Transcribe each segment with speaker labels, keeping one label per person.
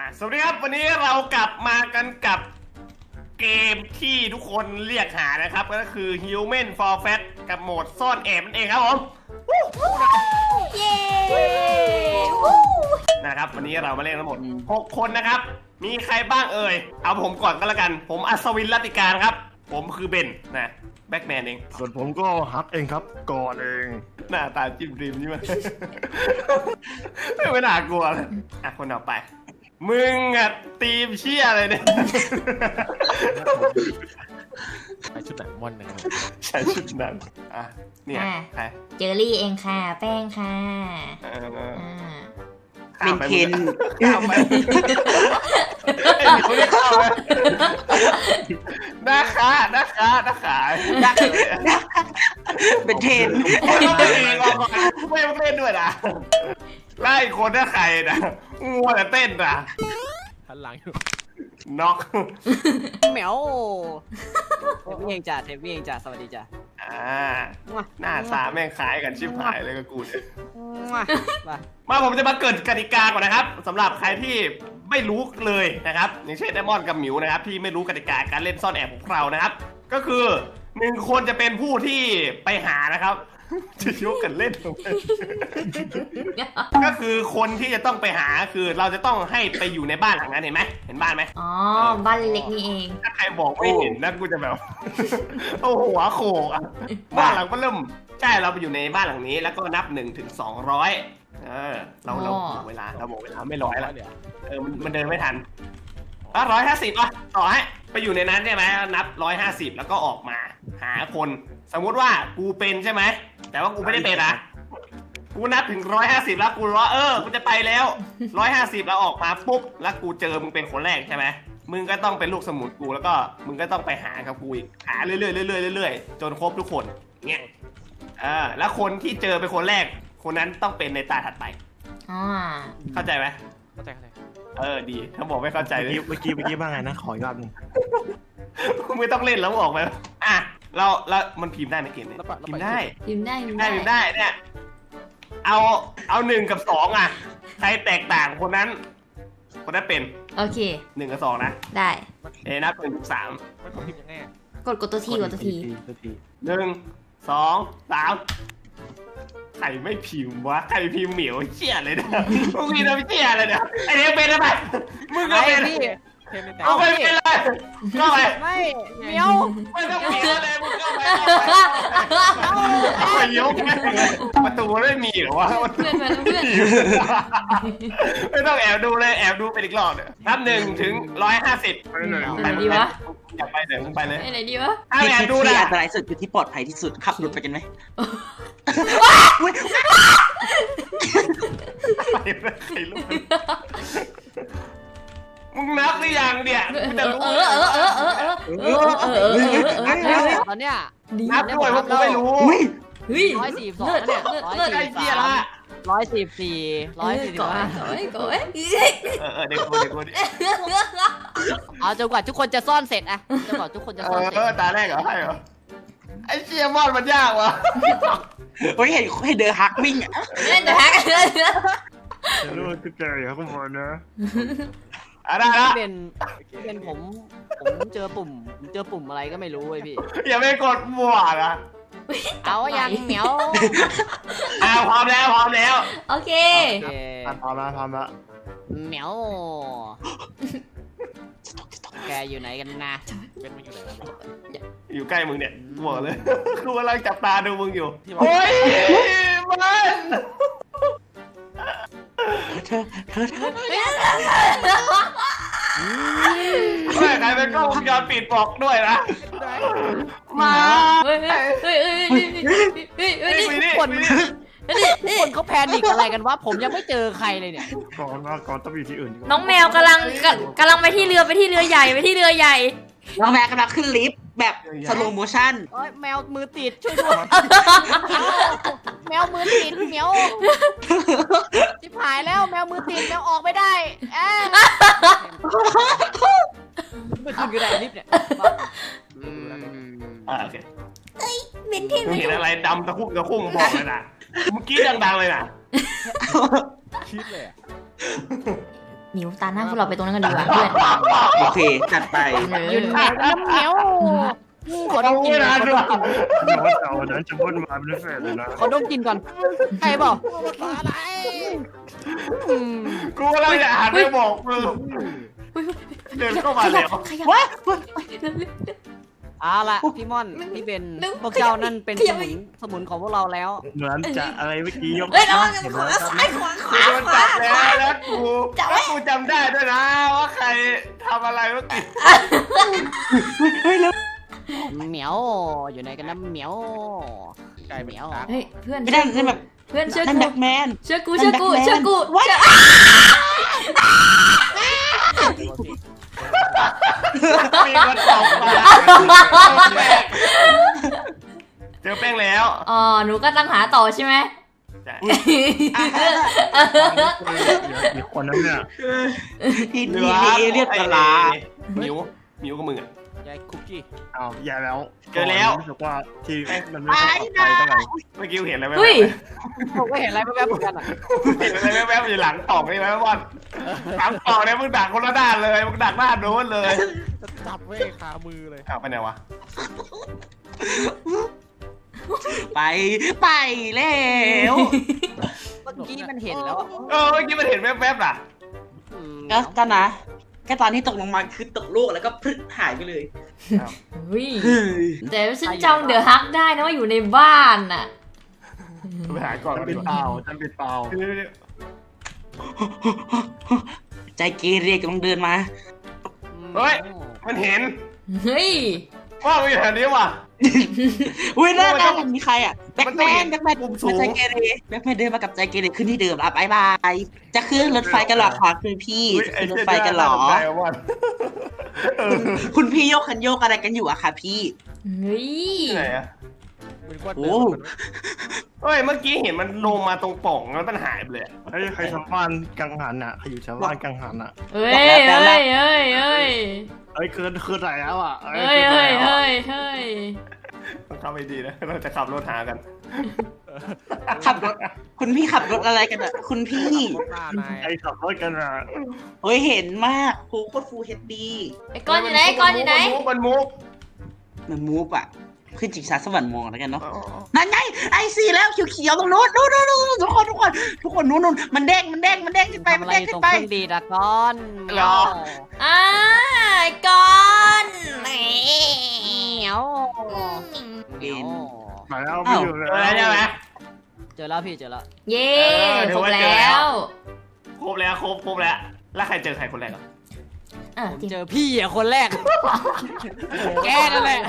Speaker 1: สวัสดีครับวันนี้เรากลับมากันกับเกมที่ทุกคนเรียกหานะครับก็คือ Human for Fat กับโหมดซ่อนแอบนั่นเองครับผม
Speaker 2: เย้
Speaker 1: นะครับวันนี้เรามาเล่นทั้งหมด6คนนะครับมีใครบ้างเอ่ยเอาผมก่อนก็แล้วกันผมอัศวินรัตติการครับผมคือเบนนะแบ็กแมนเอง
Speaker 3: ส่วนผมก็ฮักเองครับก่อนเอง
Speaker 1: หน้าตาจิ้มริมนี่มันไม่น่ากลัวเลยอ่ะคนต่อไปมึงอ่ะทีมเชี่ยอะไรเนี่ย
Speaker 3: ใส่ชุดหนังม่อนนะครับ
Speaker 1: ใช้ชุดนั้นอ่ะเนี่ยใคร
Speaker 2: เจอรี่เองค่ะแป้งค่ะ
Speaker 4: เป็นเทน
Speaker 1: ข้ามไปนะคะ
Speaker 4: เป็นเทน
Speaker 1: ไม่เล่นด้วยนะไล่คนถ้าใครนะงัวแต่เต้นนะ
Speaker 3: หันหลังอยู่
Speaker 1: น็อก
Speaker 4: เหมียวเทปเองจ้ะสวัสดีจ้ะ
Speaker 1: หน้าตาแม่งคล้ายกันชิบหายเลยกับกูเนี่ยมาผมจะมาเกิดกติกาก่อนนะครับสำหรับใครที่ไม่รู้เลยนะครับอย่างเช่นไดมอนด์กับหมิวนะครับที่ไม่รู้กติกาการเล่นซ่อนแอบของเรานะครับก็คือ1คนจะเป็นผู้ที่ไปหานะครับจะยกกันเล่นก็คือคนที่จะต้องไปหาคือเราจะต้องให้ไปอยู่ในบ้านหลังนั้นเห็นไหมเห็นบ้านไหม
Speaker 2: อ๋อบ้านเล็กนี่เอง
Speaker 1: ถ้าใครบอกไม่เห็นนะกูจะแบบโอ้หัวโขกอ่ะบ้านหลังก็เริ่มใช่เราไปอยู่ในบ้านหลังนี้แล้วก็นับ1 ถึง 200เราบอกเวลาไม่ร้อยแล้วมันเดินไม่ทัน150ป่ะต่อให้ไปอยู่ในนั้นใช่ไหมนับ150แล้วก็ออกมาหาคนสมมุติว่ากูเป็นใช่ไหมแต่ว่ากูไม่ได้เป็นนะกูนับถึง150แล้วกูรู้กูจะไปแล้ว150แล้วออกมาปุ๊บแล้วกูเจอมึงเป็นคนแรกใช่ไหมมึงก็ต้องเป็นลูกสมุนกูแล้วก็มึงก็ต้องไปหากับกูอีกหาเรื่อยๆจนครบทุกคนเงี้ยแล้วคนที่เจอเป็นคนแรกคนนั้นต้องเป็นในตาถัดไปเข้าใจไหม
Speaker 3: เข้าใจ
Speaker 1: ดีถ้าบอกไม่เข้าใจเลย
Speaker 3: เมื่อกี้บ้างไงนะขออีกรอบนึง
Speaker 1: ไม่ต้องเล่นแล้วออกไปเรามันพิมพ์ได้ไหมเกมนี้พิมพ์ได้เนี่ยเอา1 กับ 2อ่ะใครแตกต่างคนนั้นเป็น
Speaker 2: โอเค
Speaker 1: 1 กับ 2นะ
Speaker 2: ได้
Speaker 1: นับ1 ถึง 3
Speaker 3: ไม่ต้องพิมพ์ยังไง
Speaker 2: กดตัวที1
Speaker 1: 2 3ใครไม่พิมพ์วะใครพิมพ์เหมียวเชี่ยเลยนะมึงมีน้ำเชี่ยเลยนะไอเนี้ยเป็นอะไรมึงก็เป็นเอาไปเป็นเลยก็ไป
Speaker 4: ไม่เหมียว
Speaker 1: ไม่ต้องมีอะไรมึงก็ไปเอายกประตูไม่มีหรอวะไม่ต้องแอบดูเลยแอบดูไปอีกรอบเนี่ยนับ1 ถึง 150
Speaker 2: ไหนดีวะ
Speaker 1: อยากไปไหนมึงไปเลย
Speaker 2: ไหนดีวะ
Speaker 1: แอบดูนะ
Speaker 4: อันตรายสุดอยู่ที่ปลอดภัยที่สุดขับรถไปกันไหม
Speaker 1: มึงนับหรือยังเนี่ยมึงจะรู้
Speaker 4: ตอนเนี้ย
Speaker 1: นับด้วยว่ากูไม่รู้
Speaker 4: 142เนี่ย
Speaker 1: เด็กคน
Speaker 4: เอาจนกว่าทุกคนจะซ่อนเสร็จอะจนกว่าทุกคนจะซ่อนเสร็จ
Speaker 1: ตาแรกเหรอให้เหรอไอ้เชียมอนมันยากวะ
Speaker 4: เฮ้ยให้เดอฮักวิ่งอ่ะ
Speaker 2: เดอฮัก
Speaker 3: รู้ว่าคือเจอครับคุณบอลนะ
Speaker 1: ได้ละ
Speaker 4: เป็นผมเจอปุ่มอะไรก็ไม่รู้เว้ยพี่
Speaker 1: อย่าไปกดมั่วนะ
Speaker 4: เอายังเหมียว
Speaker 1: พร้อมแล้ว
Speaker 2: โอเค
Speaker 3: พร้อมแล้ว
Speaker 4: เหมียวแกอยู่ไหนกันนะ
Speaker 3: เป็นมันอยู่ไหน
Speaker 1: อยู่ใกล้มึงเนี่ยบอกเลยกูกำลังจับตาดูมึงอยู่โอ้ยมัน
Speaker 4: เธอ
Speaker 1: ไม่ใครเป็นกล้องวงจรปิดบอกด้วยนะมา
Speaker 4: คนเขาแพนิกอะไรกันวะผมยังไม่เจอใครเลยเนี่ย
Speaker 3: ก่อนต้องอยู่ที่อื่น
Speaker 2: น้องแมวกำลังไปที่เรือใหญ่
Speaker 4: น้องแมวกำลังขึ้นลิฟต์แบบสโลว์โมชั่นแมวมือติดช่วยด้วยแมวมือติดเหมียวชิบหายแล้วแมวมือติดแมวออกไม่ได้ไม่ขึ้นกันได้ลิฟต์เนี่ย
Speaker 1: โอเค
Speaker 2: เป็นที่
Speaker 1: เห็นอะไรดำตะคุ่มบอกเลยนะเมื่อกี้ดังๆเลยนะ
Speaker 3: คิดเลย
Speaker 2: หมิวตาหน้าพวกเราไปตรงนั้นกันดีกว่าเพื่อน
Speaker 4: โอเคจัดไป
Speaker 2: ยืน
Speaker 4: เหมียวขอดมกลินก่อน
Speaker 3: เดี๋ยวว่าเอานั้นจะวนมาเป็นแฟนเลยนะ
Speaker 4: ขอดมกลินก่อนใครบอก
Speaker 1: กูกำลังจะอ่านไม่บอกมึงเดินเข้ามาแล้ว
Speaker 2: ขยับ
Speaker 4: วะ
Speaker 5: เอาละพี่ม่อนพี่เบนพวกเจ้านั่นเป็นสมุนของพวกเราแล้ว
Speaker 3: เหมือนจะอะไรเมื่อกี้ยก
Speaker 2: เฮ้ยเรา
Speaker 3: เห็นไหม
Speaker 2: ซ้ายขวาข
Speaker 1: กู
Speaker 2: วา
Speaker 1: โดน
Speaker 2: ขวา
Speaker 1: จับแล้วแล้วกูจำได้ด้วยนะว่าใครทำอะไรเมื่อกี้
Speaker 5: เหมียวอยู่ไหนกันนะเหมียวไก่เหมียว
Speaker 2: เฮ้ยเพื่อน
Speaker 4: ไม่ได้นั่นแบบ
Speaker 2: เพื่อนเชื่อ
Speaker 4: นั่น
Speaker 2: กู
Speaker 4: แบ็คแมน
Speaker 2: เชื่อกูเชื่อกูเชื่อกู
Speaker 4: ว้า
Speaker 1: มีคนตอบมาเจอแป้งแล้ว
Speaker 2: อ๋อหนูก็ตั้งหาต่อใช่ไหม
Speaker 1: ใช่
Speaker 3: อีกคนนั้นเนี่ย
Speaker 4: ทีนี้เรียกกะลา
Speaker 1: มิวกับมึงอ่ะ
Speaker 5: ยายคุกกี้
Speaker 3: เอาแย่แล้ว
Speaker 1: เจอแล้ว
Speaker 3: รู้สึกว่าที่มันไม่ค่อยปลอดภัยเท่าไหร่
Speaker 1: เมื่อกี้เห็นอะไรไหม
Speaker 2: เฮ้ย
Speaker 5: ผมก็เห็นอะไรแว๊บๆเหมือนกันอ่ะ
Speaker 1: เห็นอะไรแวบๆอยู่หลังตอกนี่ไหมบอลหลังตอกเนี่ยมึงดักคนละด้านเลยมึงดักด้านโน้นเลย
Speaker 5: จับไว้คามือเลย
Speaker 1: อ้าวไปไหนวะ
Speaker 4: ไปแล้ว
Speaker 5: เมื่อกี้มันเห็นแล้ว
Speaker 1: เมื่อกี้มันเห็นแวบๆน่ะ
Speaker 4: ก็นะแค่ตอนที่ตกลงมาคือตกลูกแล้วก็พรึดหายไปเลย
Speaker 2: เฮ้ยแต่ฉันจำเดอะฮักได้นะว่าอยู่ในบ้านน่ะ
Speaker 1: ไปหาก่อน
Speaker 3: ฉันเป็นเปล่าฉันเป็นเปล่า
Speaker 4: ใจเกเรกำลังเดินมา
Speaker 1: เฮ้ยมันเห็น
Speaker 2: เฮ้ย
Speaker 1: ว่ามันอยู่แถวนี้ว่ะ
Speaker 4: อุ้ยหน้ามีใครอ่ะแบ็ค
Speaker 1: มัน
Speaker 4: แม
Speaker 1: ต้องเห็
Speaker 4: น
Speaker 1: น
Speaker 4: แบ็คแมน
Speaker 1: มุมสูง
Speaker 4: ใจเกเรแบ็คแมนเดินมากับใจเกเรขึ้นที่เดิมอ่ะบายบายจะขึ้นรถไฟกันหรอคะคุณพี่จะขึ้นรถไฟกันหรอ คุณพี่โยกคันโยกอะไรกันอยู่อะคะพี่
Speaker 2: เฮ้ย
Speaker 1: ไหนอะ
Speaker 5: เป็นกวาด
Speaker 4: โอ้
Speaker 1: เฮ้ยเมื่อกี้เห็นมันลงมาตรงป่องแล้วมันหายไปเลย
Speaker 3: เฮ้ยใครชาวบ้านกังหันอ่ะใครอยู่ชาวบ้านกังหันอ่ะ
Speaker 2: เฮ้ยเฮ้ยเฮ้ยเฮ้ย
Speaker 3: เอ้ยคือไหนแล้วอ่ะ
Speaker 2: เฮ้ยเฮ้ยเฮ้ยเฮ้ย
Speaker 1: ต้องเข้าไปดีนะเราจะขับรถหากัน
Speaker 4: ขับรถคุณพี่ขับรถอะไรกันอะคุณพี่
Speaker 5: หน้านาย
Speaker 3: ไอ้ขับรถกันอ่ะ
Speaker 4: เฮ้ยเห็นมากโคตรฟูเฮดดี
Speaker 2: ไอ้ก้อนอยู่ไหนไอ้ก้อนอยู่ไหน
Speaker 1: มันมุก
Speaker 4: เหมือนมูฟอะขึ้นจิกซาสวรรค์มองแล้วกันเนาะนั่นไงไอซีแล้วเขียวๆตรงนู้นนู้นทุกคนนู้นมันเด้งขึ้นไป
Speaker 5: ทำ
Speaker 4: มัน
Speaker 5: อะไร
Speaker 4: เด้ง
Speaker 5: ต
Speaker 4: ขึ้
Speaker 5: รง
Speaker 4: นไป
Speaker 5: เครื่องดีดอะก้อน
Speaker 2: อ่าไอ้ก้อนแหม
Speaker 5: เหมียวเหมียว
Speaker 3: มาแล้วไม่อยู่เลย
Speaker 1: อะไรใช่ไหม
Speaker 5: เจอแล้วพี่เจอแล้ว
Speaker 2: เย้ครบแล้ว
Speaker 1: ครบแล้วแล้วใครเจอใครคนแรกอ่ะ
Speaker 2: อ่ะ
Speaker 5: ผม
Speaker 2: จริง
Speaker 5: เจอพี่อะคนแรกแกนั่นแหละ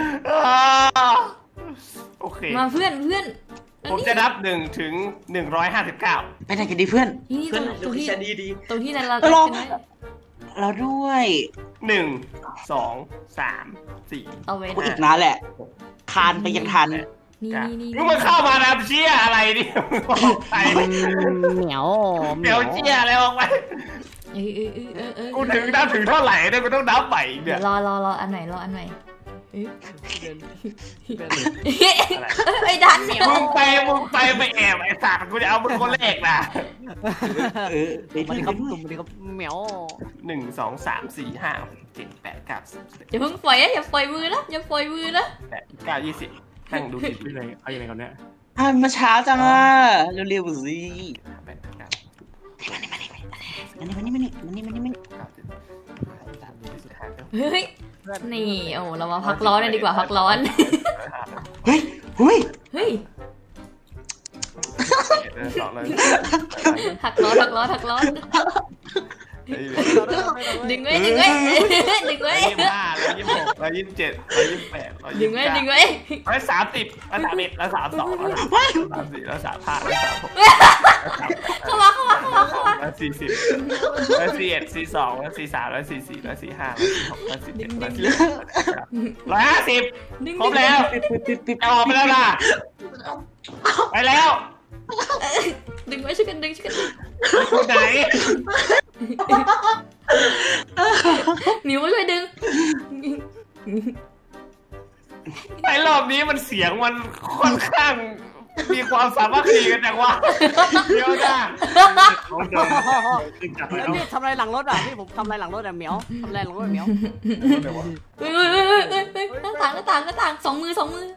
Speaker 1: โอเค
Speaker 2: มาเพื่อน
Speaker 1: ผมจะนับ1 ถึง 159
Speaker 4: ไปไหนกันดีเพื่อน
Speaker 2: นี่
Speaker 4: เพื่อน
Speaker 2: ตรงที่
Speaker 4: ฉันดี
Speaker 2: ตรงที่นั่นเรา
Speaker 4: รอ
Speaker 2: ใช่ไหม
Speaker 4: เราด้วย
Speaker 1: 1 2 3 4
Speaker 2: เอาไว้
Speaker 4: กูอี
Speaker 2: นะ
Speaker 4: กนะแหละคานไปยังทัน
Speaker 2: นี่
Speaker 1: มึงมาเข้ามานะเชี่ยอะไรดิใคร
Speaker 5: เหมียว
Speaker 1: เดี๋ยวเชี่ยอะไรออกไป กูถึงนับถึงเท่าไหร่เนี่ยกูต้องนับใหม่อีก
Speaker 2: เดี๋
Speaker 1: เนี่ย ยว
Speaker 2: รออันไหนรออันไหน
Speaker 5: เป็น
Speaker 2: ไอ้ดันเนี่ย
Speaker 1: มึงไปแอบไอ้สัตว์กูจะเอามึงคนแรกนะ
Speaker 4: ไป
Speaker 5: มาดิ
Speaker 4: ที่
Speaker 5: ครับตุ่มมาดิครับเหมียว
Speaker 1: 1 2 3 4 5 6 7 8 9 10
Speaker 2: อย่าเพิ่งปล่อยนะอย่าปล่อยมือนะอย่าปล่อยมือนะ
Speaker 1: 11 9 20นั่งดูสิ
Speaker 3: ที่ไหนเอาอย่างไรก่อนเนี่ย
Speaker 4: มาเช้าจังอ่ะเร็วๆสิ
Speaker 1: 8 9
Speaker 4: มัน
Speaker 2: เฮ้ยนี่โอ้เรามาพักร้อนกันดีกว่าพักร้อน
Speaker 4: เฮ้ย
Speaker 2: เฮ้ย
Speaker 1: 2เลย
Speaker 2: หักร้อนดึงไว้
Speaker 1: 25 126 127 128
Speaker 2: ดึงไว้
Speaker 1: 130 131 132 134 135
Speaker 2: เข้ามา
Speaker 1: 140 141 42 143 144 145 146 147 150ครบแล้วจะออกไปแล้วนะไปแล้ว
Speaker 2: ดึงไว้ช่วยกันดึง
Speaker 1: คนไหน
Speaker 2: นิ้วช่วยดึง
Speaker 1: ไอ้รอบนี้มันเสียงมันค่อนข้างมีความสามัคคีกันจังวะเดี๋ยวนะ
Speaker 3: เขาเดินขึ้นจาก
Speaker 5: เฮ้ย
Speaker 3: แล้ว
Speaker 5: พี่ทำอะไรหลังรถอ่ะพี่ผมทำอะไรหลังรถอ่ะเหมียวทำอะไรหลังรถอะเหมียว
Speaker 2: เฮ้ยหน้าต่างสองมือ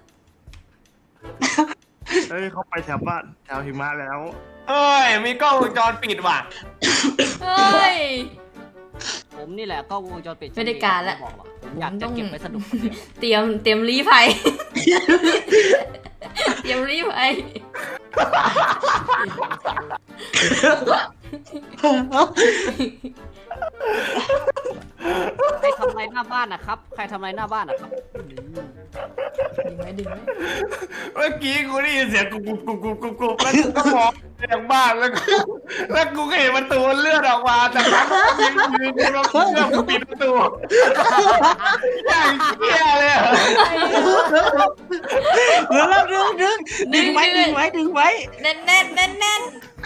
Speaker 3: เฮ้ยเขาไปแถวบ้านแถวหิมะแล้ว
Speaker 1: เอ้ยมีกล้องวงจรปิดว่ะ
Speaker 2: เฮ้ย
Speaker 5: ผมนี่แหละก็วงจรปิด
Speaker 2: ไม่ได้การละ
Speaker 5: บอกหรอกผมอยากจะเก็บไว้สนุกคนเดียว
Speaker 2: เตรียมรีภัย เตรียมรีภัย
Speaker 5: ใครทำอะไรหน้าบ้านนะครับใครทำอะไรหน้าบ้านนะครับ
Speaker 2: ดึงไหม
Speaker 1: เมื่อกี้กูได้ยินเสียงกุบแล้วกูก็มองไปทางบ้านแล้วกูก็เห็นประตูเลื่อนออกมาจากนั้นกูยืนแล้วเชื่อกูปิดประตูอย่างเชี่ยเลยอะ
Speaker 4: แล้วดึงไว้
Speaker 2: แน่น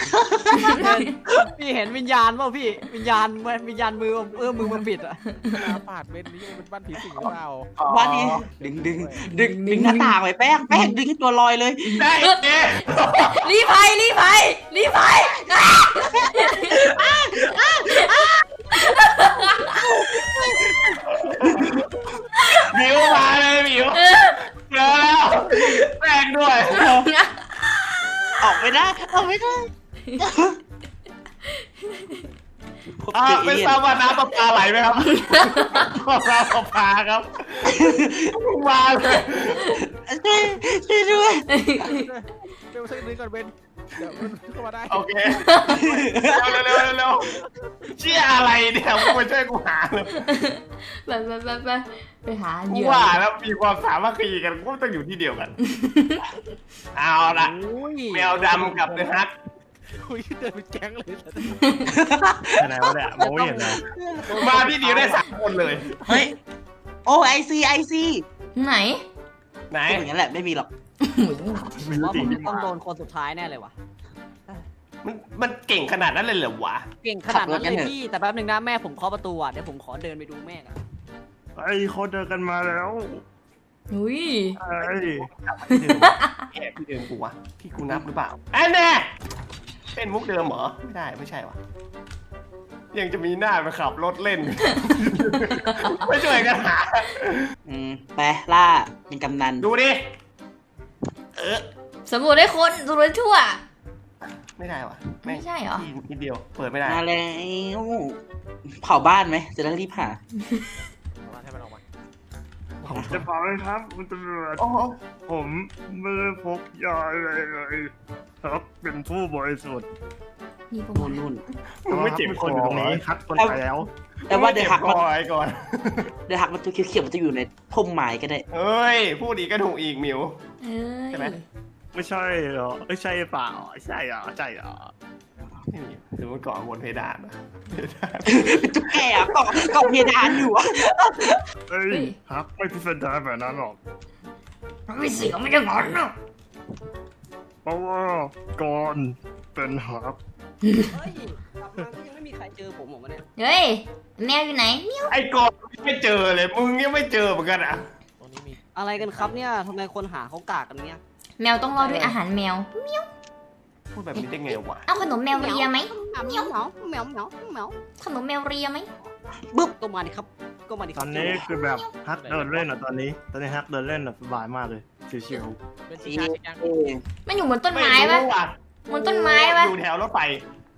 Speaker 5: พี่เห็นวิญญาณเปล่าพี่วิญญาณมือมือมันปิดอ่ะ
Speaker 6: ปาดเป็นนี่เป็นบ้านผีสิงหรือเปล่า
Speaker 4: บ้านนี้ดึงหน้าต่างไว้แป้งดึงให้ตัวลอยเลย
Speaker 1: ได้เจ๊
Speaker 2: รีภัย
Speaker 1: หมิวมาเลยหมิวเจอแล้วแป้งด้วย
Speaker 4: ออกไม่ได้
Speaker 1: ไม่ทราบว่าน้ำประปาไหลไหมครับน้ำประปาครับมาเลย
Speaker 4: ช่วยด้วย
Speaker 6: เบลช่วยนึงก่อนเบนเดี๋ยวมันเข้ามาได้
Speaker 1: โอเคเร็วเชี่ยอะไรเนี่ยมึงมาช่วยกูหาเลย
Speaker 2: ไปหาเห
Speaker 1: กู
Speaker 2: ยื่อ
Speaker 1: ว่าแล้วมีความสามัคคีกันกูต้องอยู่ที่เดียวกัน เอาละ
Speaker 5: โอ้ย
Speaker 1: แมวดำกับเดอะฮัก
Speaker 6: คุยเดินเป็นแก๊งเลย
Speaker 3: ไหนวะเนี่ยมองไม่เห็นเลย
Speaker 1: มาที่เดียวได้3 คนเลย
Speaker 4: เฮ้ยโอ้ไอซี
Speaker 2: ไหน
Speaker 1: ไหน
Speaker 4: อย่างนั้นแหละไม่มีหรอก
Speaker 3: ไม่
Speaker 5: ว่า
Speaker 3: รู้
Speaker 5: ผ
Speaker 3: สิ
Speaker 5: มจะต้องโดนคนสุดท้ายแน่เลยวะ
Speaker 1: มันเก่งขนาดนั้นเลยเหรอวะ
Speaker 5: เก่งขนาดนั้นเลยพี่แต่แป๊บนึงนะแม่ผมเคาะประตูอ่ะเดี๋ยวผมขอเดินไปดูแม่กัน
Speaker 3: ไอ้เขาเดินกันมาแล้ว
Speaker 2: อุ้ย
Speaker 3: ไอ้
Speaker 1: แกพี่เดิมกูวะพี่กูนับหรือเปล่าอันแน่เป็นมุกเดิมเหรอไม่ใช่วะยังจะมีหน้าไปขับรถเล่น ไม่ช่วยกันหา
Speaker 4: ไปล่าเป็นกำนัน
Speaker 1: ดูดิ
Speaker 2: สำรวจได้คนสำรวจทั่ว
Speaker 1: ไม่ได้วะ
Speaker 2: ไม่ใช่เหรอ
Speaker 1: ที่นิดเดียวเปิดไม่ได้
Speaker 4: มาแล้วเผาบ้านไหมจะได้รีบหา
Speaker 6: ให้มันออกมา
Speaker 3: ผมจะบอกเลยครับคุณตำรวจ
Speaker 1: โอ้โห
Speaker 3: ผมไม่ได้พกยาอะไรเลยครับเป็นผู้บริสุทธิ์
Speaker 2: นี่พวก
Speaker 4: นู่น
Speaker 1: มึงไม่เจ็บ
Speaker 3: คนอยู่ตรงนี้คัดคนไปแล้ว
Speaker 4: แต่ว่าเดี๋ยวหัก
Speaker 1: มั
Speaker 4: มัน
Speaker 1: ไว้ก่อน
Speaker 4: ตัวเขียวๆมันจะอยู่ในพุ่มไม้ก็ได้
Speaker 1: เอ้ยพูดอีกก็ถูกอีกหมิว
Speaker 2: เอ้
Speaker 1: ใช่ไหม
Speaker 2: ย
Speaker 3: ไม่ใช่เหรอไม่ใช่เปล่าใช่เหรอใช่เหรอ
Speaker 1: ไม่มีหรือมันเกาะบนเพดานอะ
Speaker 4: เป็นตุ๊กแกอะเกาะเพดานอยู่อะ
Speaker 3: เฮ้ยฮักไม่พิสดารแบบนั้นหรอก
Speaker 2: ไม่เสียไม่ได้หมอนเนาะ
Speaker 3: เพราะว่าก่อนเป็นฮัก
Speaker 5: เฮ้ยกลับมาก็ยังไม่มีใครเจอผมหรอกวะเนี่ย
Speaker 2: เฮ้ยแมวอยู่ไหนเมียว
Speaker 1: ไอ้กอนไม่เจอเลยมึงยังไม่เจอเหมือนกันอ่ะ
Speaker 6: ตรงนี้มี
Speaker 5: อะไรกันครับเนี่ยทำไมคนหาเขากากกันเนี่ย
Speaker 2: แมวต้องรอด้วยอาหารแมว
Speaker 1: พูดแบบนี้ได้ไงวะ
Speaker 2: เอาขนมแมวเรียไหม
Speaker 5: เหมียวเหมียวเหมียวเหมียวเหมียว
Speaker 2: ขนมแมวเรียไหม
Speaker 5: ก็มาดิครับก็มาดิค
Speaker 3: ต
Speaker 5: รั
Speaker 3: อบ นนี้คือแบบฮักเดินเล่นอ่ะตอนนี้ฮักเดินเล่นแบบสบายมากเลยชิว
Speaker 6: เป็นสีชาติยัง
Speaker 2: มันอยู่บนต้นไม้ปะ
Speaker 1: รู้ว่ะ
Speaker 2: บนต้นไม้ปะ
Speaker 1: อยู่แถวรถไฟ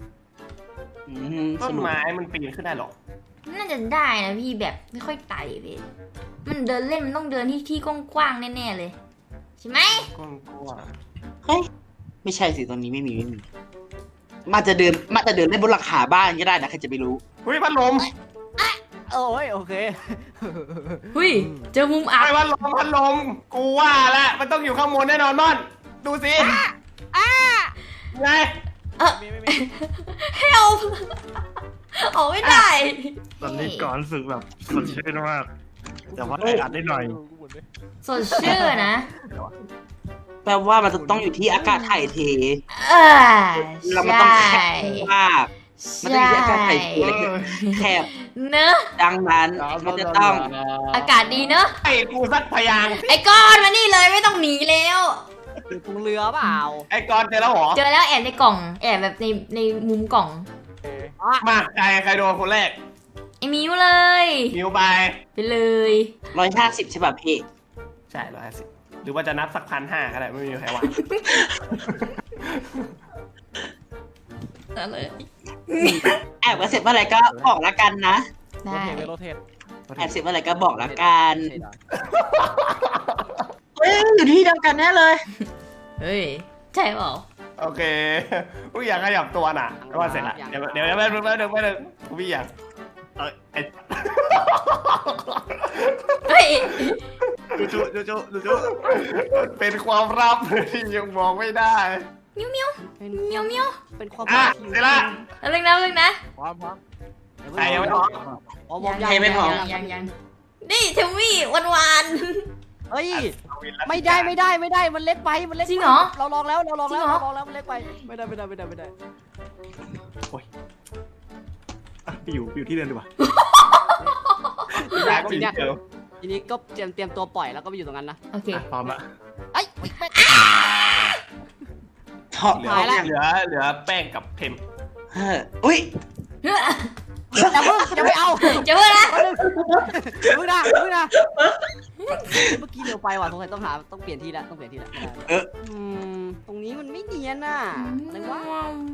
Speaker 4: ส
Speaker 1: ต้น
Speaker 4: นุก
Speaker 1: ไม้มันปีนขึ้นได้หรอ
Speaker 2: น่าจะได้นะพี่แบบไม่ค่อยไต่พี่มันเดินเล่นมันต้องเดินที่กว้างๆแน่ๆเลยใช่ไหม
Speaker 1: กลัว
Speaker 4: เฮ้ยไม่ใช่สิตรงนี้ไม่มีมาจะเดินเล่นบนหลังคาบ้านก็ได้นะใครจะไปรู้
Speaker 1: เฮ้ยพัดลม
Speaker 5: โอ้ยโอเค
Speaker 2: หุยเจอมุมอับ
Speaker 1: ไอ้พัดลมกูว่าแล้วมันต้องอยู่ข้างบนแน่นอนม่อนดูสิไง
Speaker 6: ไม่
Speaker 2: help ออกไม่ได้
Speaker 3: ๆตอนนี้ก่อนรู้สึกแบบสดชื่นมาก แต่ว่าอัดได้หน่อย
Speaker 2: สดชื่อนะ
Speaker 4: แปลว่ามันจะต้องอยู่ที่อากาศถ่ายเท
Speaker 2: เออ
Speaker 4: แล้วมันต้อง
Speaker 2: ใช่
Speaker 4: แคบมากมันต้องอยู่ที่อากาศถ่ายเทแคบ
Speaker 2: เนอะ
Speaker 4: ดังนั้นมันจะต้อง
Speaker 2: อากาศดีเนอะ
Speaker 1: ไอ้กูสักพยางค์
Speaker 2: ไอ้ก้อนมานี่เลยไม่ต้องหนีแล้ว
Speaker 5: อยู่ตรงเรือเปล่า
Speaker 1: ไอ้กอนเจอแล้วเหรอ
Speaker 2: เจอแล้วแอบในกล่องแอบแบบในมุมกล่อง
Speaker 1: มาใครโดนคนแรก
Speaker 2: ไอ้มิวเลย
Speaker 1: มิวไป
Speaker 2: ไปเลย
Speaker 4: 150ใช่ป่ะพี่
Speaker 1: ใช่150หรือว่าจะนับสัก1,500ก็ได้ไม่มีใครว่า
Speaker 2: อะไร
Speaker 4: แอบเสร็จเมื่อไหร่ก็บอกละกันนะ
Speaker 2: ได้
Speaker 6: โรเทต
Speaker 4: แอบเสร็จเมื่อไหร่ก็บอกละกันเฮ้ยอยู่ที่เดียวกันแน่เลย
Speaker 2: เฮ้ยใช่เปล่า
Speaker 1: โอเคกูอยากขยับตัวน่ะก็ว่าเสร็จละเดี๋ยวไม่ดึงกูพี่อยากไอ้
Speaker 2: เฮ้ย
Speaker 1: จุเป็นความลับที่ยังบอกไม่ได้
Speaker 2: มิวมิวมิวมิว
Speaker 5: เป็นความ
Speaker 1: อ่ะเสร็จละ
Speaker 2: แล้วนึงนะ
Speaker 6: พร้อม
Speaker 1: ใครยังไม่พร้อม
Speaker 5: อ๋อผม
Speaker 4: ใครไม่พร้อม
Speaker 2: ยังนี่เทมมี่หวาน
Speaker 5: เฮ้ยไม่ได้มันเล็กไปมันเล็ก
Speaker 2: จริงเหรอ
Speaker 5: เราลองแล้วมันเล็กไปไม่ได้
Speaker 3: ไปอยู่ที่เดิมดีกว่า
Speaker 1: อยากก็มีเจอ
Speaker 5: ทีนี้ก็เตรียมตัวปล่อยแล้วก็ไปอยู่ตรงนั้นนะ
Speaker 2: โอเค
Speaker 3: พร้อมละ
Speaker 5: ไอ้
Speaker 4: ถอด
Speaker 1: เหลื
Speaker 5: หายละ
Speaker 1: เหลือแป้งกับเพม
Speaker 4: อุ้ย
Speaker 5: อย่าไม่เอา
Speaker 2: จะเพื่อนนะ
Speaker 5: มึงนะเมื่อกี้เร็วไปว่ะสงสัยต้องเปลี่ยนที่ละไม่ได้ตรงนี้มันไม่เนียนน่ะอะไรวะ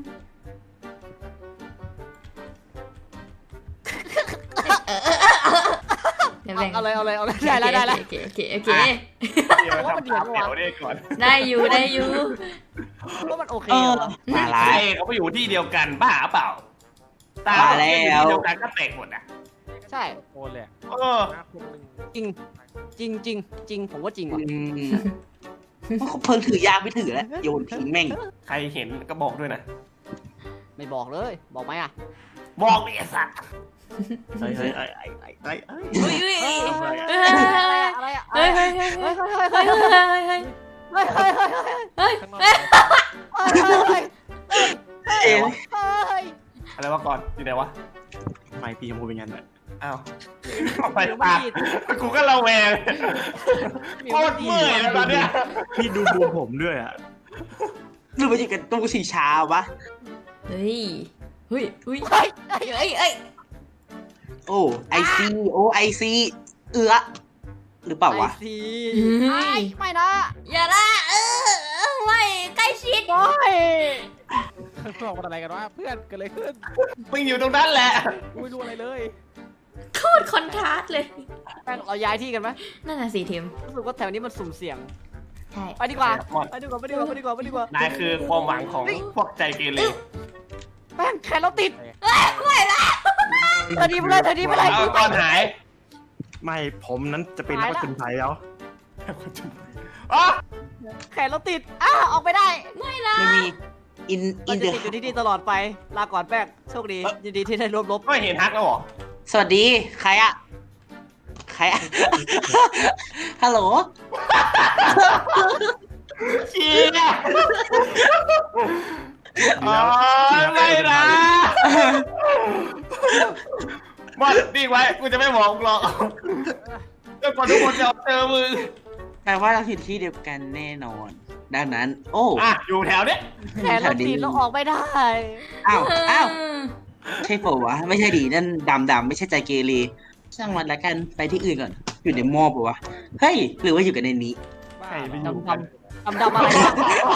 Speaker 2: เดี๋ยวแบ่ง
Speaker 5: เอาเลยได้ละ
Speaker 2: โอเค
Speaker 1: เดี๋ยวทำตามแถวนี้ก่อน
Speaker 2: ได้อยู่
Speaker 5: ว่ามันโอเค
Speaker 4: มาละ
Speaker 1: ใช่เขาไปอยู่ที่เดียวกันบ้าเปล่าตา
Speaker 4: มาแล้ว
Speaker 1: ที่เดียวกันก็แตกหมดอ่ะ
Speaker 5: ใช่
Speaker 6: โอนเลย
Speaker 1: เออ
Speaker 5: จริงผมว่าจริงว่ะ
Speaker 4: เพิ่งถือยางไม่ถือแล้วโยนทิ้งแม่ง
Speaker 1: ใครเห็นก็บอกด้วยนะ
Speaker 5: ไม่บอกเลยบอกไหมอ่ะ
Speaker 1: บอกดิไอ้สัตว์
Speaker 3: เฮ้ย
Speaker 2: อุ้ย
Speaker 5: อะไรอ่ะ
Speaker 2: เฮ้ย
Speaker 5: เฮ้ย
Speaker 6: ข้างนอก
Speaker 1: อะไรวะก่อนอยู่ไหนวะ
Speaker 3: ไม่พี่ชมพูเป็นไงเนี่ย
Speaker 1: อ้าวไปปากกูก็ระแวงโคตรเมื่อยเลยตอนเนี้ย
Speaker 3: พี่ดูบูมผมด้วยอ่ะ
Speaker 4: หรือว่าอยู่กันตู้สีเช้าวะ
Speaker 2: เฮ้ยเฮ้ย
Speaker 4: โอ้ไอซีหรือเปล่าวะ
Speaker 5: ไอซีไม่นะ
Speaker 2: อย่าละไม่ใกล้ชิด
Speaker 5: ไม่
Speaker 6: ข้างนอกมันอะไรกันวะเพื่อนเกิดอะไรขึ้น
Speaker 1: มึงอยู่ตรงนั้นแหละ
Speaker 6: ไม่รู้อะไรเลย
Speaker 2: โคตรคอนทราสต์เลย
Speaker 5: แป้งเราย้ายที่กันไหม
Speaker 2: นั่นน่ะสิทีม
Speaker 5: รู้สึกว่าแถวนี้มันสุ่มเสี่ยง
Speaker 2: ใช่
Speaker 5: ไปดีกว่า
Speaker 1: นายคือความหวังของพวกใจเกเร
Speaker 5: แป้งแขนเราติดเธอดีไปเลย
Speaker 1: เอาก่อนหาย
Speaker 3: ไม่ผมนั้นจะเป็นนักจุนไทยแล้ว
Speaker 1: อ๋อ
Speaker 5: แขนเราติดออกไปได้
Speaker 2: ไม่ละ
Speaker 4: ไม่มีอิน
Speaker 5: เรา
Speaker 4: เด
Speaker 5: จะ
Speaker 4: อ
Speaker 5: ติดอยู่ที่นี่ตลอดไปลาก่อนแป้งโชคดียินดีที่ได้ร่วมรบ
Speaker 1: ไม่เห็นฮักแล้วเหรอ
Speaker 4: สวัสดีใครอะฮัลโหล
Speaker 1: เชียร์อ๋อไม่นะบอลนิ่งไว้กูจะไม่บอกมึงหรอกจนกว่าทุกคนจะเจอมึง
Speaker 4: แปลว่าเราอยู่ที่เดียวกันแน่นอน ดังนั้น โอ้
Speaker 1: อ่ะอยู่แถวเนี้ย
Speaker 5: แขนเราติดเราออกไม่ได้
Speaker 4: อ้าวใช่เปล่าวะไม่ใช่ดีนั่นดำไม่ใช่ใจเกเรช่างมันละกันไปที่อื่นก่อนอยู่ในหม้อปะวะเฮ้ยหรือว่าอยู่กันในนี้
Speaker 1: ใครไปอยู่กัน
Speaker 5: ดำอะไรนะ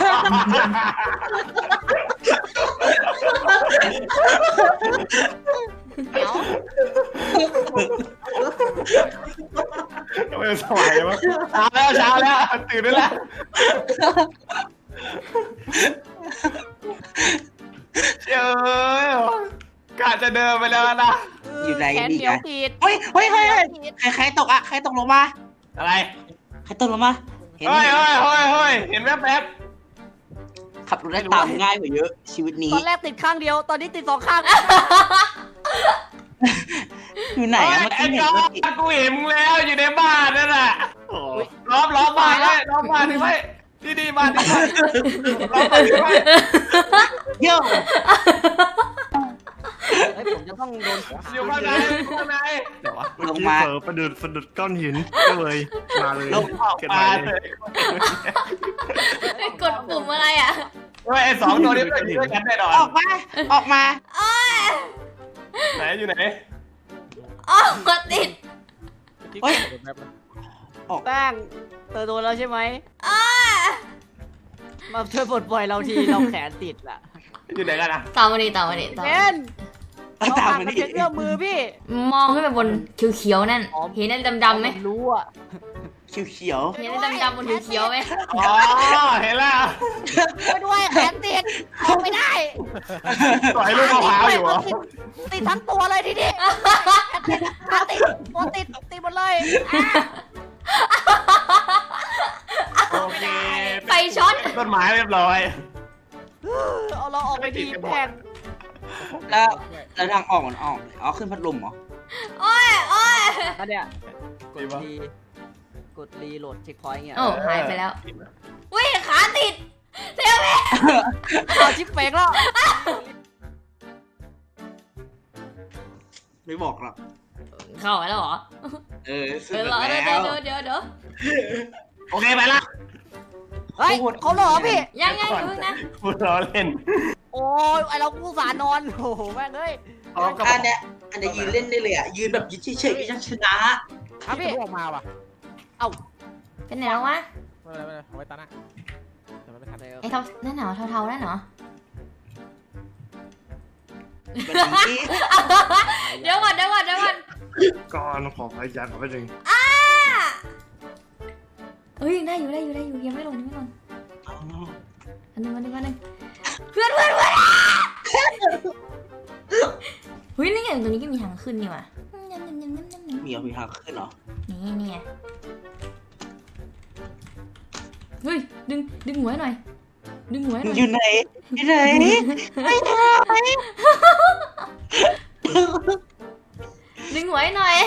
Speaker 5: เดี๋ยว
Speaker 1: ทำไมสวยวะเช้าแล้วตื่นได้แล้วเจ้ยกะจะเดินไปแล้วนะ
Speaker 4: อยู่ไหน
Speaker 5: แขน
Speaker 4: ดี
Speaker 5: เหนียว
Speaker 4: อะ
Speaker 5: ติด
Speaker 4: เฮ้ยใครตกอะใครตกลงมา
Speaker 1: อะไร
Speaker 4: ใครตกลงมาเห็น
Speaker 1: เฮ้ยเห็นแวบ
Speaker 4: ขับรถได้ตามง่ายกว่าเยอะชีวิตนี้
Speaker 5: ตอนแรกติดข้างเดียวตอนนี้ติด2 ข้าง
Speaker 4: อยู่ไหนอะเมื่อ
Speaker 1: ไอ้
Speaker 4: กี้เห็
Speaker 1: จ
Speaker 4: น
Speaker 1: อ
Speaker 4: ว่า
Speaker 1: กูเห็นมึงแล้วอยู่ในบ้านนั่นแหละล้อมบ้านไว้ล้อมบ้านนี่ไว้ที่บ้านนี่ไว้ล้อมบ้านนี่ไว้
Speaker 4: โย่
Speaker 5: เฮ้ยผมจะต้องโดน
Speaker 1: อยู่ข้างในข้างในเดี๋ยววะ
Speaker 3: เมื่อกี้เผลอประดุดก้อนหินก็เลยมาเลย
Speaker 1: ลงออก
Speaker 3: เก็บ
Speaker 1: มา
Speaker 3: ไว้
Speaker 1: เลย
Speaker 2: กดปุ่มอะไรอ่ะ
Speaker 1: เฮ้ยไอ้สองตัวนี้มันช่วยกันแน่นอน
Speaker 4: ออกมาออกมา
Speaker 1: ไหนอยู่ไหน
Speaker 2: อ๋อติด
Speaker 6: เฮ้ยแป๊บนะ
Speaker 5: แป้งเธอโดนแล้วใช่ไหมมาช่วยปลดปล่อยเราทีเราแขนติดล่ะ
Speaker 1: อยู่ไหนกันอะ
Speaker 2: ตามมาดิตามมาดิตาม
Speaker 5: เบ
Speaker 2: มาดิ
Speaker 5: นเรา
Speaker 4: ตาม
Speaker 5: ผ่าน
Speaker 4: มา
Speaker 5: มัน
Speaker 4: ดิ
Speaker 5: เพียงเอื้อมมือพี่
Speaker 2: มองขึ้นไปบนเขียวๆนั่น เห็นนั่นดำๆไหม
Speaker 5: ผมรู้อ่ะ
Speaker 4: เขียว
Speaker 2: เห็นนั่นดำๆบนเขียวๆไหม
Speaker 1: อ๋อเห็นแล้ว
Speaker 5: ช่วยด้วยแขนติดออกไม่ได้
Speaker 1: ต่อยลูกมะพร้าวอยู่เหรอ
Speaker 5: ติดทั้งตัวเลยทีนี้ขาติดตัวติดหมดเลย
Speaker 1: โอเค
Speaker 2: ไฟช็อต
Speaker 1: ต้นไม้เรียบร้อย
Speaker 5: เอาเราออกไปทีแพง
Speaker 4: ๆแล้วทางออกมันออกอ๋อขึ้นพัดลมเหรอ
Speaker 2: โอ้ยโอ้ย
Speaker 5: อันเนี้ย
Speaker 1: ดีปะ
Speaker 5: กดรีโหลดเช็คพอยต์เงี้ย
Speaker 2: โอ้หายไปแล้วอุ้ยขาติดเทวเม
Speaker 5: เอาชิปเฟกแล้ว
Speaker 4: ไม่บอกหรอก
Speaker 2: เข้าไปแล้วเหรอ
Speaker 4: สุด
Speaker 2: เดี๋ยว
Speaker 4: แล้ว
Speaker 2: เดี๋ยว
Speaker 1: โอเคไปละ
Speaker 5: เฮ้ยเขาเหรอพี่
Speaker 2: ยังอยู่นะ
Speaker 1: พูดล้อเล่น
Speaker 5: โอ้ยไอเรากูสานอนโอ้โหแม่งเอ้ย
Speaker 1: เขาก็
Speaker 4: อันเนี้ยยืนเล่นได้เลยอ่ะยืนแบบยืนเฉยๆก็ยังชนะ
Speaker 5: ครับพี่
Speaker 6: ออกมาว่ะ
Speaker 2: เป็นไหนแล้ววะ
Speaker 6: ไม่เป็นไรเอาไว้ตาหน้าแต่มันไม่ทัน
Speaker 2: ไอ้นั่นเหรอเทาๆนั่นเหรอ
Speaker 4: แบบนี้
Speaker 2: เดี๋ยวก่อน
Speaker 3: ก่อนขอพยายามขอไปหนึ่ง
Speaker 2: เอ้ยยังได้อยู่ยังไม่หล่น
Speaker 4: เอา
Speaker 2: อันหนึ่งเพื่อนเฮ้ยนี่ไงตรงนี้ก็มีทางขึ้นนี่ว่ะ
Speaker 4: มีทางขึ้นเหรอ
Speaker 2: นี่ไงเฮ้ยดึงหัวหน่อย
Speaker 4: อยู่ไหนไม่ได้
Speaker 2: ดึงหัวหน่อย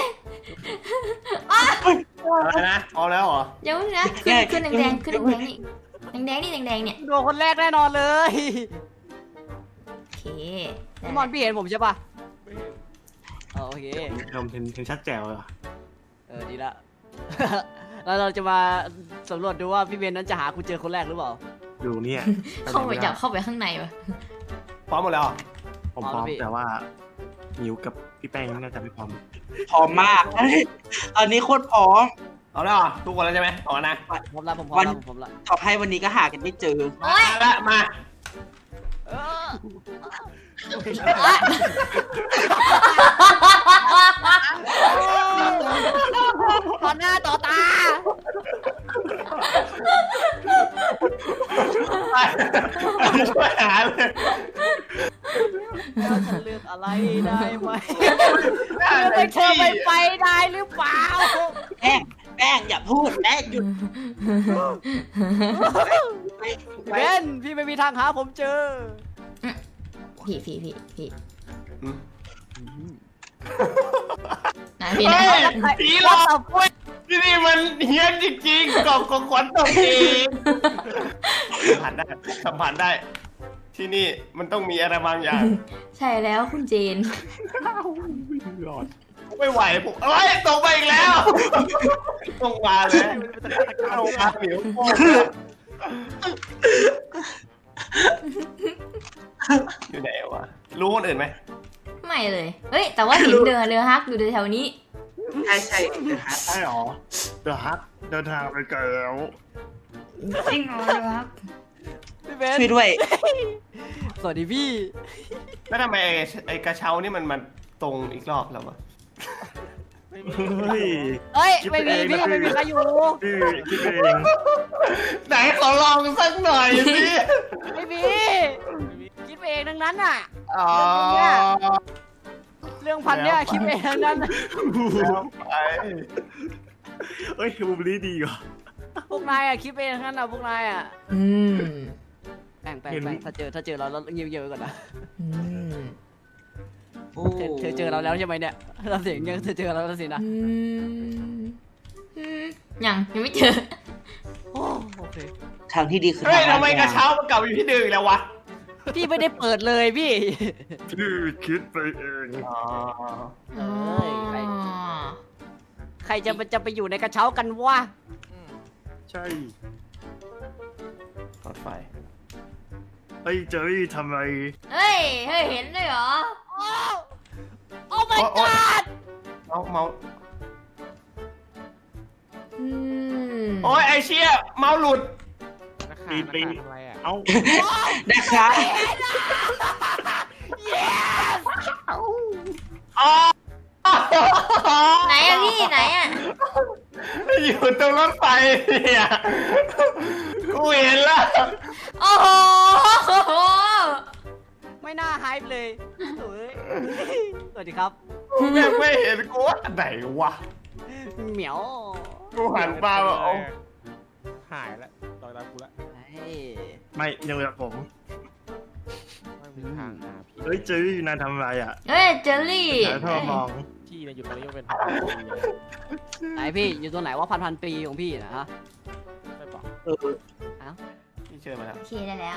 Speaker 1: อะไรนะเอาแล้วเหรอ
Speaker 2: เดี๋ยวนะขึ้นแดงขึ้นแดงนี่แดงเนี่ย
Speaker 5: โดนคนแรกแน่นอนเลย
Speaker 2: โอเค
Speaker 5: พี่มอนพี่เห็นผมใช่ปะโอเค
Speaker 3: ทำเห็นชัดแจ๋วเลยอะ
Speaker 5: ดีละ แล้วเราจะมาสำรวจดูว่าพี่เบนนั้นจะหาคุณเจอคนแรกหรือเปล่า
Speaker 3: ดูเนี่ย
Speaker 2: เข้าไปข้างในวะ
Speaker 1: พร้อมหมดแล้วเหรอ
Speaker 3: ผมพร้อมแต่ว่ามิวกับพี่แป้งน่าจะไม่พร้อม
Speaker 4: พร้อมมากอันนี้โคตรพร้อม
Speaker 1: เอาแล้วเหรอทุกคนแล้วใช่ไหมเอานะ
Speaker 5: ผมพร้อมละ
Speaker 4: ต่อให้วันนี้ก็หากันไม่เจอ
Speaker 1: มาละมา
Speaker 5: ต่อหน้าต่อตา
Speaker 1: ช่วยหาเลย
Speaker 5: ฉันเลือกอะไรได้ไหมเลือกไปเธอไปได้หรือเปล่า
Speaker 4: แป้งอย่าพูดแป้งหยุด
Speaker 5: เบนพี่ไม่มีทางหาผมเจอ
Speaker 2: พี่ไหนพี่
Speaker 1: เฮ้
Speaker 2: นะ
Speaker 1: ยผีหลอกเว้ยที่นี่มันเฮี้ยนจริงๆกล่องของขวัญตกเองสัมผัสได้ ที่นี่มันต้องมีอะไรบางอย่าง
Speaker 2: ใช่แล้วคุณเจน
Speaker 3: รอด
Speaker 1: ไม่ไหวผมเอ้ยตกไปอีกแล้วต้องมาเลยต้องมาผิวอยู่ไหนวะรู้คนอื่นไหม
Speaker 2: ไม่เลยเฮ้ยแต่ว่าเห็นเรือฮักอยู่แถวนี้
Speaker 4: ใช่ใช่
Speaker 3: ใช่หรอเดี๋ยวฮักเดินทางไปไกลแล้ว
Speaker 2: จริงเหรอเรือฮัก
Speaker 5: พี่เบน
Speaker 4: ช่วยด้วย
Speaker 5: สวัสดีพี่
Speaker 1: แล้วทำไมไอ้กระเช้านี่มันตรงอีกรอบแล้ววะ
Speaker 3: เฮ้ย
Speaker 5: เฮ้ยไม่มีพี่ไม่มีใครอยู่
Speaker 3: พี่คิดเอง
Speaker 1: ไหนขอลองสักหน่อยสิ
Speaker 5: ไม่มีคิดไปเองทั้งนั้นน่ะ
Speaker 1: อ๋อ
Speaker 5: เรื่องพันเนี่ยคิดไปเองทั้งนั้น
Speaker 1: แล้วไป
Speaker 3: เฮ้ยบูมลี่ดีกว่า
Speaker 5: พวกนายอ่ะคิดไปเองทั้งนั้นอ่ะพวกนายอ่ะ แป้งถ้าเจอเราเงียบๆไว้ก่อนนะ เธอเจอเราแล้วใช่ไหมเนี่ยเราเสียงยังเธอเจอเราแล้วสินะ
Speaker 2: ยังไม่เจอ
Speaker 5: โอเค
Speaker 4: ทางที่ดีคือ
Speaker 1: เฮ้ย
Speaker 4: ทาง
Speaker 1: ทำไมกระเช้ามันกลับอยู่ที่เดิมอีกแล้ววะ
Speaker 5: พี่ไม่ได้เปิดเลยพี่
Speaker 3: พี่คิดไปเอง
Speaker 1: อ๋อ
Speaker 5: เอ้ยใครจะไปอยู่ในกระเช้ากันวะ
Speaker 3: ใช่
Speaker 1: รถไฟ
Speaker 3: ไอ้เจอรี่ทำไม
Speaker 2: เฮ้ยเห็นด้วยเหรอ
Speaker 5: โอ้ my god
Speaker 1: เมา
Speaker 2: อืม
Speaker 1: โอ้ยไอเชี่ยเมาหลุด
Speaker 6: นักข่าวทำอะไรอ่ะ
Speaker 3: เอ้า
Speaker 7: นะคะ
Speaker 1: อ๋อ
Speaker 2: ไหนอะพี่ไหนอะ
Speaker 1: อยู่ตรงรถไฟเนี่ยกูเห็นแล้ว
Speaker 2: โอ้โห
Speaker 5: ไม่น่าไฮป์เลยเฮ้ยสวัสดีครับ
Speaker 1: แม่งไม่เห็นกูว่าไหนวะ
Speaker 5: เหมียว
Speaker 1: กูหันมาแบบเอา
Speaker 6: หายแล้วต่อยตามกูละ
Speaker 5: เฮ้ย
Speaker 3: ไม่ยังแบบผม
Speaker 6: ไม่มีทางหาพี่
Speaker 3: เฮ้ยเจอรี่นายทำอะไรอ่ะ
Speaker 2: เฮ้ยเจอรี่
Speaker 3: หาท่อมอง
Speaker 6: พี่เนี่ยอยู่ตอนนี้ยังเป็นพันปีเลย
Speaker 5: ไหนพี่อยู่ตัวไหนว่าพันปีของพี่นะฮะ
Speaker 6: ไม่บอก
Speaker 1: พี่เชิญมาแล้ว
Speaker 2: โอเคได้แล้ว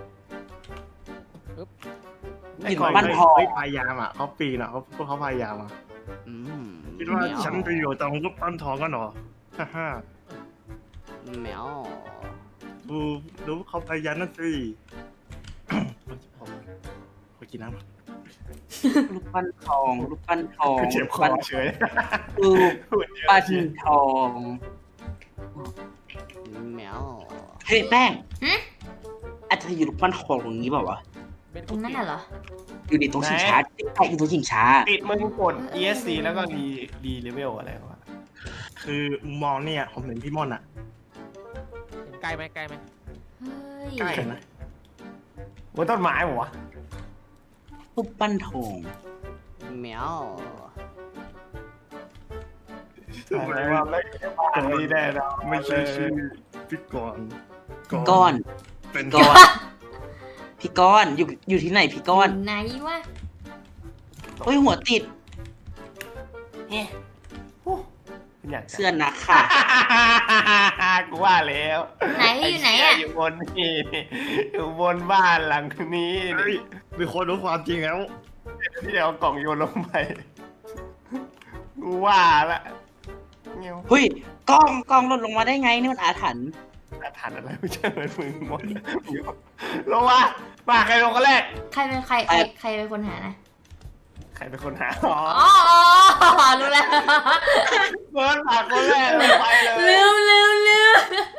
Speaker 1: ไอ้
Speaker 7: หิน
Speaker 1: ของ
Speaker 7: บ้านทอง
Speaker 3: เฮ้ยพยายามอ่ะเขาปีนอ่ะพวกเขาพยายามอ่ะ
Speaker 5: อืม
Speaker 3: คิดว่าฉันไปอยู่ตรงรูปปั้นทองกันเหรอฮ่าฮ่า
Speaker 5: เหมียว
Speaker 3: ดูเขาพยายามนั่นสิขอกินน้ำ
Speaker 7: รูปปั้นทองรูปปั้นทอง
Speaker 1: คือเจ็บคอ
Speaker 7: ปั้น
Speaker 1: เฉย
Speaker 7: รูป
Speaker 1: พูดเยอะ
Speaker 7: ปั้น
Speaker 1: เฉย
Speaker 7: ทอง
Speaker 5: เหมียว
Speaker 7: เฮ้ยแป้ง
Speaker 2: หึ
Speaker 7: อาจจะอยู่รูปปั้นทองตรงนี้เปล่าวะ
Speaker 6: เป็น
Speaker 2: ตรงนั้นน่ะเหรอ
Speaker 7: อยู่ในตรงชิงช้าใช่อยู่ตรงชิงช้า
Speaker 1: ติดมึงกด ESC แล้วก็ดีเลเวลอะไรวะ
Speaker 3: คือมองเนี่ยผมเห็นพี่ม่อนอ่ะ
Speaker 6: เห็นใกล้ไหมใกล้ไหม
Speaker 2: เฮ้ย
Speaker 3: ใกล้นะ
Speaker 1: บนต้นไม้เหรอวะ
Speaker 7: รูปปั้นทอง
Speaker 5: เหมียว
Speaker 3: ทำไม
Speaker 1: ว่าไม่บ้านนี้แน่นอน
Speaker 3: ไม่ใช่ชื่อพี่กรณ์
Speaker 7: ก้อน
Speaker 3: เป็น
Speaker 7: ก้อนพี่ก้อนอยู่ที่ไหนพี่ก้อน
Speaker 2: ไหนวะ
Speaker 7: เฮ้ยหัวติด
Speaker 1: อยาก
Speaker 7: เสื้อนักค่ะ
Speaker 1: กูว่าแล้ว
Speaker 2: ไหนอยู่ไหนอะ
Speaker 1: อยู่บนนี่อยู่บนบ้านหลังนี้
Speaker 3: เฮ้ยมีคนรู้ความจริงแล้ว
Speaker 1: ที่เอากล่องโยนลงไปกูว่าละเงี้ย
Speaker 7: เฮ้ยกล้องหล่นลงมาได้ไงนี่มันอาถรรพ์
Speaker 1: อาถรรพ์อะไรไม่ใช่เหมือนมึงหมดลงมาใครลงกันแรก
Speaker 2: ใครเป็นใครเป็นคนหานะ
Speaker 1: ใครเป็นคนหาอ๋อ
Speaker 2: อ๋อรู้แล้ว
Speaker 1: เบิร์ดปากคนแรกลงไปเลย
Speaker 2: ลืม